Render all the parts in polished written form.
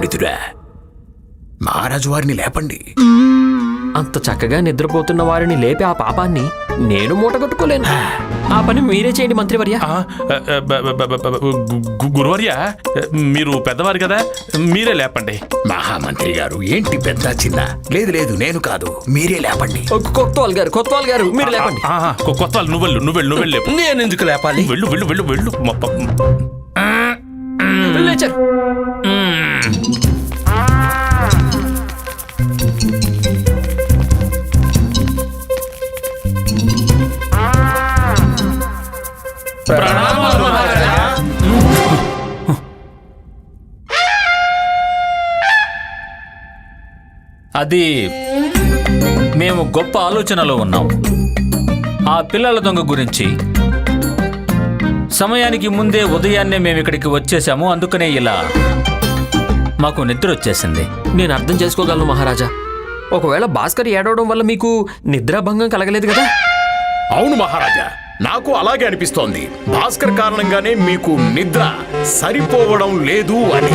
పండితుడా, మహారాజు వారిని లేపండి. అంత చక్కగా నిద్రపోతున్న వారిని లేపి ఆ పాపాన్ని నేను మూటగట్టుకోలేను. ఆ పని మీరే చేయండి మంత్రివర్య. గురువర్య, మీరు పెద్దవారు కదా, మీరే లేపండి. మహామంత్రి గారు, ఏంటి పెద్ద చిన్న? లేదు లేదు, నేను కాదు, మీరే లేపండి. కొత్తవాల్ గారు మీరు లేపండి. కొత్త నువ్వు లేపు. నేను ఎందుకు లేపాలి? వెళ్ళు వెళ్ళు వెళ్ళు వెళ్ళు. లేచారు. అది మేము గొప్ప ఆలోచనలో ఉన్నాం. ఆ పిల్లల దొంగ గురించి సమయానికి ముందే ఉదయాన్నే మేము ఇక్కడికి వచ్చేసాము. అందుకనే ఇలా మాకు నిద్ర వచ్చేసింది. నేను అర్థం చేసుకోగలను మహారాజా. ఒకవేళ భాస్కర్ ఏడవడం వల్ల మీకు నిద్రాభంగం కలగలేదు కదా? అవును మహారాజా, నాకు అలాగే అనిపిస్తోంది. భాస్కర్ కారణంగానే మీకు నిద్ర సరిపోవడం లేదు అని.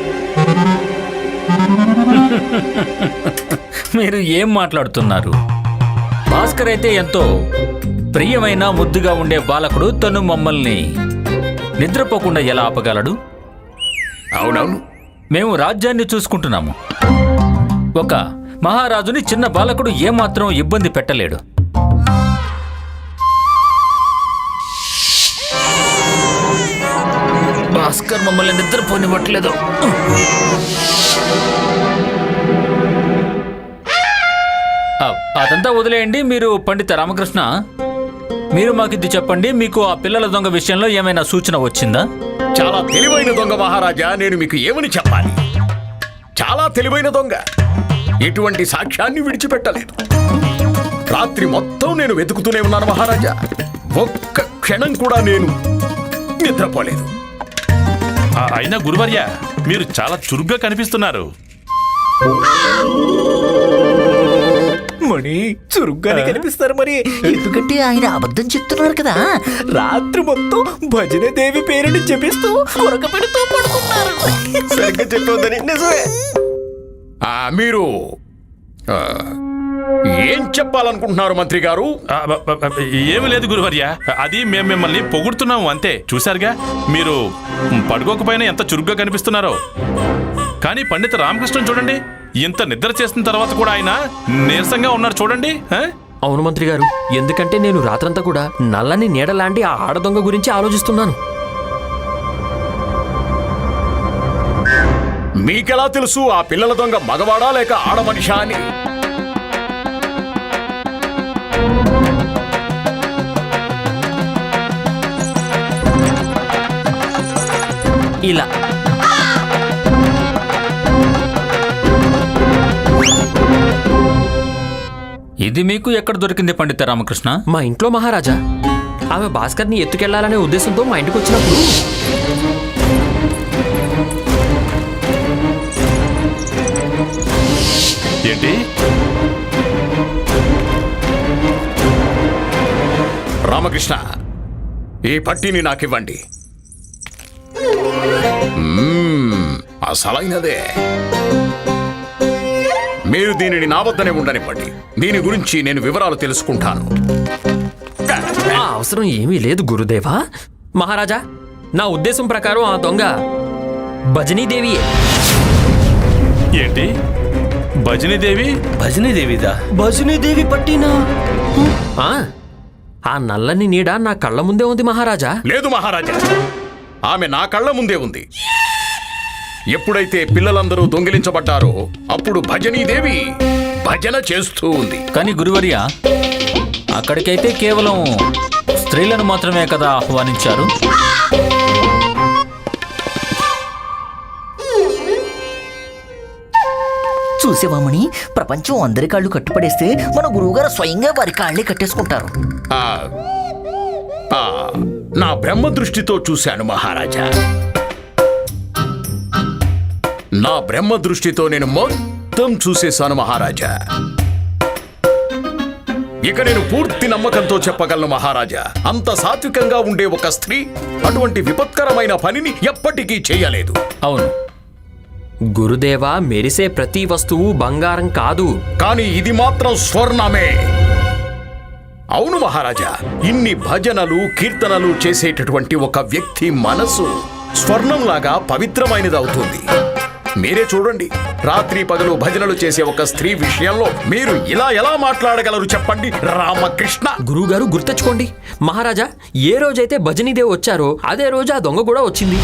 మీరు ఏం మాట్లాడుతున్నారు? భాస్కర్ అయితే ఎంతో ప్రియమైన ముద్దుగా ఉండే బాలకుడు. తను మమ్మల్ని నిద్రపోకుండా ఎలా ఆపగలడు? అవునవును, మేము రాజ్యాన్ని చూసుకుంటున్నాము. ఒక మహారాజుని చిన్న బాలకుడు ఏమాత్రం ఇబ్బంది పెట్టలేడు. భాస్కర్ మమ్మల్ని నిద్రపోనివ్వట్లేదు. అదంతా వదిలేయండి. మీరు పండిత రామకృష్ణ, మీరు మాకు ఇది చెప్పండి. మీకు ఆ పిల్లల దొంగ విషయంలో ఏమైనా సూచన వచ్చిందా? చాలా తెలివైన దొంగ మహారాజా. నేను మీకు ఏమని చెప్పాలి? చాలా తెలివైన దొంగ. ఎటువంటి సాక్ష్యాన్ని విడిచిపెట్టలేదు. రాత్రి మొత్తం నేను వెతుకుతూనే ఉన్నాను మహారాజా. ఒక్క క్షణం కూడా నేను నిద్రపోలేదు. అయినా గురువర్య, మీరు చాలా చురుగ్గా కనిపిస్తున్నారు. మణి చురుగ్గానే కనిపిస్తారు మరి, ఎందుకంటే ఆయన అబద్ధం చెప్తున్నారు కదా. రాత్రి మొత్తం భజన దేవి పేరుని జపిస్తూ కొరక పెడుతూ పడుకున్నారు. సరిగ్గా చెప్పొద్దని నిజమే. మీరు ఏం చెప్పాలనుకుంటున్నారు మంత్రి గారు? ఏమి లేదు గురువర్య, అది మేము మిమ్మల్ని పొగుడుతున్నాము అంతే. చూశారుగా, మీరు పడుకోకపోయినా ఎంత చురుగ్గా కనిపిస్తున్నారో. కానీ పండిత రామకృష్ణ చూడండి, ఇంత నిద్ర చేసిన తర్వాత కూడా ఆయన నీరసంగా ఉన్నారు చూడండి. అవును మంత్రి గారు, ఎందుకంటే నేను రాత్రంతా కూడా నల్లని నీడలాంటి ఆ ఆడదొంగ గురించి ఆలోచిస్తున్నాను. మీకెలా తెలుసు ఆ పిల్లల దొంగ మగవాడా లేక ఆడమనిషా అని? ఇలా ఇది మీకు ఎక్కడ దొరికింది పండిత రామకృష్ణ? మా ఇంట్లో మహారాజా. ఆమె భాస్కర్ని ఎత్తుకెళ్లాలనే ఉద్దేశంతో మా ఇంటికి వచ్చినప్పుడు ఏంటి? రామకృష్ణ, ఈ పట్టీని నాకివ్వండి. అసలైనదే. మీరు దీనిని నా వద్దనే ఉండనివ్వండి. దీని గురించి నేను వివరాలు తెలుసుకుంటాను. అవసరం ఏమీ లేదు గురుదేవా. మహారాజా, నా ఉద్దేశం ప్రకారం ఆ దొంగ భజనీదేవియే. ఏంటి భజనీదేవి? భజనీదేవిదా? భజనీదేవి పట్టినా? ఆ నల్లని నీడ నా కళ్ళ ముందే ఉంది మహారాజా. లేదు మహారాజా, ఆమె నా కళ్ళ ముందే ఉంది. ఎప్పుడైతే పిల్లలందరూ దొంగిలించబడ్డారో అప్పుడు భజనీదేవి భజన చేస్తూ ఉంది. కానీ గురువర్య, అక్కడికైతే కేవలం స్త్రీలను మాత్రమే కదా ఆహ్వానించారు. చూసేవామని, ప్రపంచం అందరి కాళ్ళు కట్టుపడేస్తే మన గురువుగారు స్వయంగా వారి కాళ్ళే కట్టేసుకుంటారు. నా బ్రహ్మ దృష్టితో చూశాను మహారాజా. నా బ్రహ్మ దృష్టితో నేను మొత్తం చూసేశాను మహారాజా. ఇక నేను పూర్తి నమ్మకంతో చెప్పగలను మహారాజా, అంత సాత్వికంగా ఉండే ఒక స్త్రీ అటువంటి విపత్కరమైన పనిని ఎప్పటికీ చేయలేదు. అవును, గురుదేవా, మెరిసే ప్రతి వస్తువు బంగారం కాదు. కానీ ఇది మాత్రం స్వర్ణమే. అవును మహారాజా, ఇన్ని భజనలు కీర్తనలు చేసేటటువంటి ఒక వ్యక్తి మనసు స్వర్ణంలాగా పవిత్రమైనది అవుతుంది. మీరే చూడండి, రాత్రి పగలు భజనలు చేసే ఒక స్త్రీ విషయంలో మీరు ఇలా ఎలా మాట్లాడగలరు చెప్పండి రామకృష్ణ? గురువుగారు గుర్తెచ్చుకోండి, మహారాజా ఏ రోజైతే భజనీదేవి వచ్చారో అదే రోజు ఆ దొంగ కూడా వచ్చింది.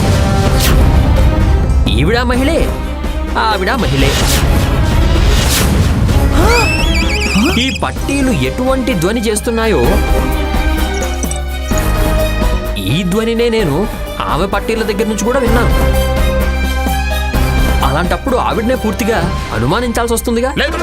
ఈవిడ మహిళే, ఆవిడ మహిళే. ఈ పట్టీలు ఎటువంటి ధ్వని చేస్తున్నాయో ఈ ధ్వనినే నేను ఆమె పట్టీల దగ్గర నుంచి కూడా విన్నాను. అలాంటప్పుడు ఆవిడనే పూర్తిగా అనుమానించాల్సి వస్తుందిగా. లేదు,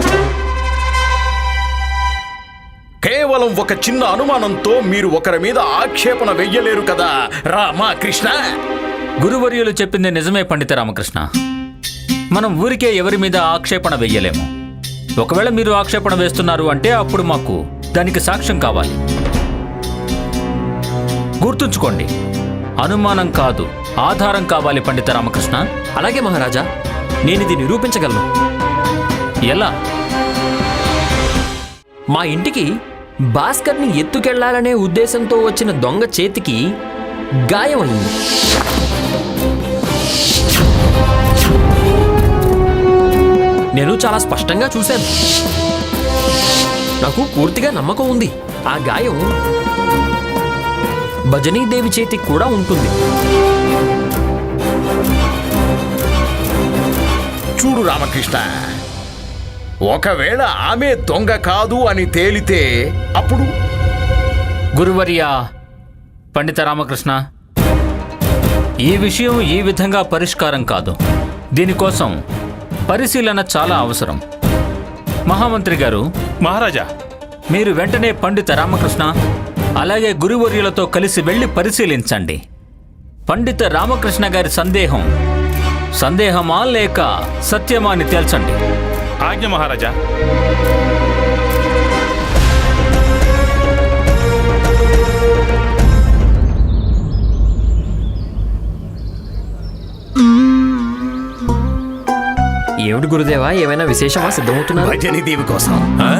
కేవలం ఒక చిన్న అనుమానంతో మీరు ఒకరి మీద ఆక్షేపణ వెయ్యలేరు కదా రామకృష్ణ. గురువర్యులు చెప్పింది నిజమే పండిత రామకృష్ణ. మనం ఊరికే ఎవరి మీద ఆక్షేపణ వెయ్యలేము. ఒకవేళ మీరు ఆక్షేపణ వేస్తున్నారు అంటే అప్పుడు మాకు దానికి సాక్ష్యం కావాలి. గుర్తుంచుకోండి, అనుమానం కాదు, ఆధారం కావాలి పండిత రామకృష్ణ. అలాగే మహారాజా, నేనిది నిరూపించగలను. ఎలా? మా ఇంటికి భాస్కర్ని ఎత్తుకెళ్లాలనే ఉద్దేశంతో వచ్చిన దొంగ చేతికి గాయమైంది. నేను చాలా స్పష్టంగా చూశాను. నాకు పూర్తిగా నమ్మకం ఉంది ఆ గాయం భజనీదేవి చేతికి కూడా ఉంటుంది. చూడు రామకృష్ణ, ఒకవేళ ఆమె దొంగ కాదు అని తేలితే అప్పుడు? గురువర్యా పండిత రామకృష్ణ, ఈ విషయం ఈ విధంగా పరిష్కారం కాదు. దీనికోసం పరిశీలన చాలా అవసరం. మహామంత్రి గారు, మహారాజా, మీరు వెంటనే పండిత రామకృష్ణ అలాగే గురువర్యులతో కలిసి వెళ్ళి పరిశీలించండి. పండిత రామకృష్ణ గారి సందేహమా లేక సత్యమా అని తేల్చండి. ఆజ్ఞ మహారాజా. ఏమిటి గురుదేవా, ఏమైనా విశేషమా సిద్ధమవుతున్నారు? భజనీదేవి కోసం.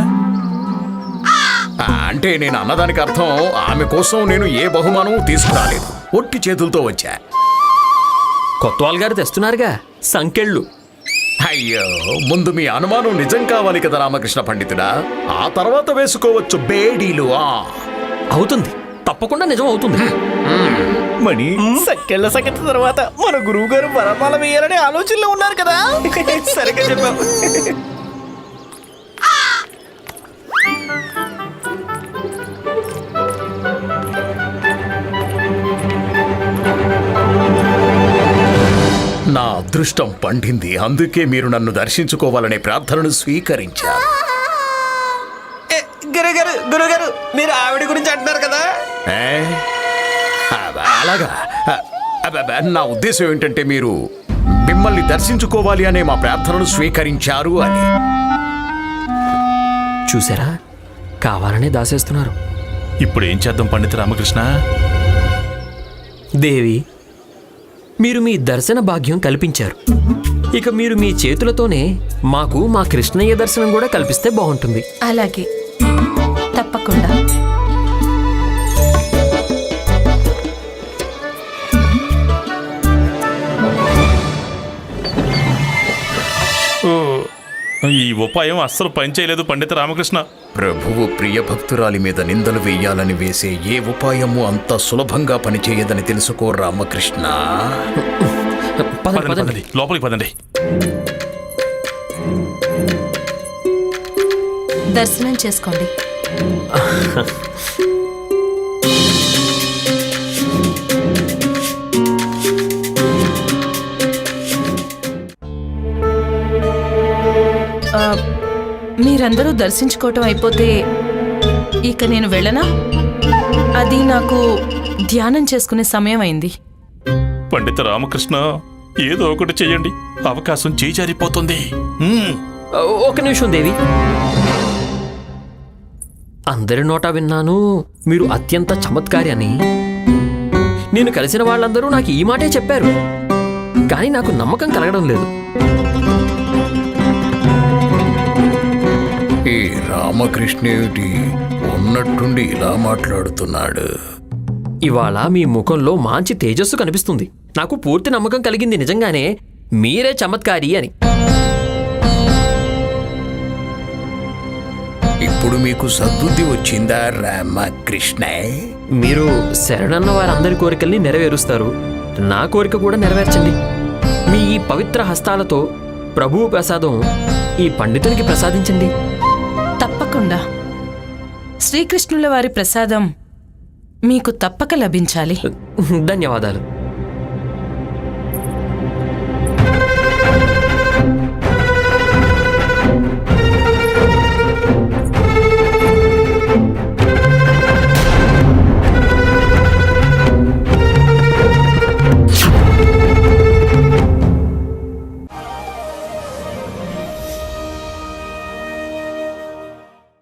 అంటే నేను అన్నదానికి అర్థం ఆమె కోసం నేను ఏ బహుమానం తీసుకురాలేదు, ఒట్టి చేతులతో వచ్చా. కొత్తవాల్ గారు తెస్తున్నారుగా సంకెళ్ళు. అయ్యో, ముందు మీ అనుమానం నిజం కావాలి కదా రామకృష్ణ పండితుడా, ఆ తర్వాత వేసుకోవచ్చు బేడీలు. అవుతుంది, తప్పకుండా నిజం అవుతుంది. మణి, సక్కెళ్ళ సంగతి తర్వాత మన గురువు గారు వరమాల వేయాలనే ఆలోచనలో ఉన్నారు కదా. సరిగ్గా చెప్పావు. నా అదృష్టం పండింది, అందుకే మీరు నన్ను దర్శించుకోవాలనే ప్రార్థనను స్వీకరించారు. గురుగారు, మీరు ఆవిడ గురించి అంటున్నారు కదా. అలాగా? నా ఉద్దేశం ఏంటంటే మీరు మిమ్మల్ని దర్శించుకోవాలి అనే మా ప్రార్థనను స్వీకరించారు అని. చూసారా, కావాలనే దాసేస్తున్నారు. ఇప్పుడు ఏం చేద్దాం పండిత రామకృష్ణ? దేవి, మీరు మీ దర్శన భాగ్యం కల్పించారు. ఇక మీరు మీ చేతులతోనే మాకు మా కృష్ణయ్య దర్శనం కూడా కల్పిస్తే బాగుంటుంది. అలాగే, తప్పకుండా. ఈ ఉపాయం అస్సలు పనిచేయలేదు పండిత రామకృష్ణ. ప్రభువు ప్రియ భక్తురాలి మీద నిందలు వేయాలని వేసే ఏ ఉపాయము అంత సులభంగా పనిచేయదని తెలుసుకో రామకృష్ణ. పదండి, పదండి. పదండి, లోపలికి పదండి. దర్శనం చేసుకోండి. మీరందరూ దర్శించుకోవటం అయిపోతే ఇక నేను వెళ్ళనా? అది నాకు ధ్యానం చేసుకునే సమయం అయింది. పండిత రామకృష్ణ, ఏదో ఒకటి చెయ్యండి, అవకాశం చేజారిపోతుంది. ఒక నిమిషం దేవి. అందరి నోటా విన్నాను మీరు అత్యంత చమత్కారి అని. నేను కలిసిన వాళ్ళందరూ నాకు ఈ మాటే చెప్పారు. కానీ నాకు నమ్మకం కలగడం లేదు. ఈ రామకృష్ణేటి ఉన్నట్టుండి ఇలా మాట్లాడుతున్నాడు. ఇవాళ మీ ముఖంలో మంచి తేజస్సు కనిపిస్తుంది. నాకు పూర్తి నమ్మకం కలిగింది నిజంగానే మీరే చమత్కారి అని. ఇప్పుడు మీకు సద్బుద్ధి వచ్చిందా రామకృష్ణ? మీరు శరణన్న వారందరి కోరికల్ని నెరవేరుస్తారు. నా కోరిక కూడా నెరవేర్చండి. మీ ఈ పవిత్ర హస్తాలతో ప్రభువు ప్రసాదం ఈ పండితునికి ప్రసాదించండి. తప్పకుండా శ్రీకృష్ణుల వారి ప్రసాదం మీకు తప్పక లభించాలి. ధన్యవాదాలు.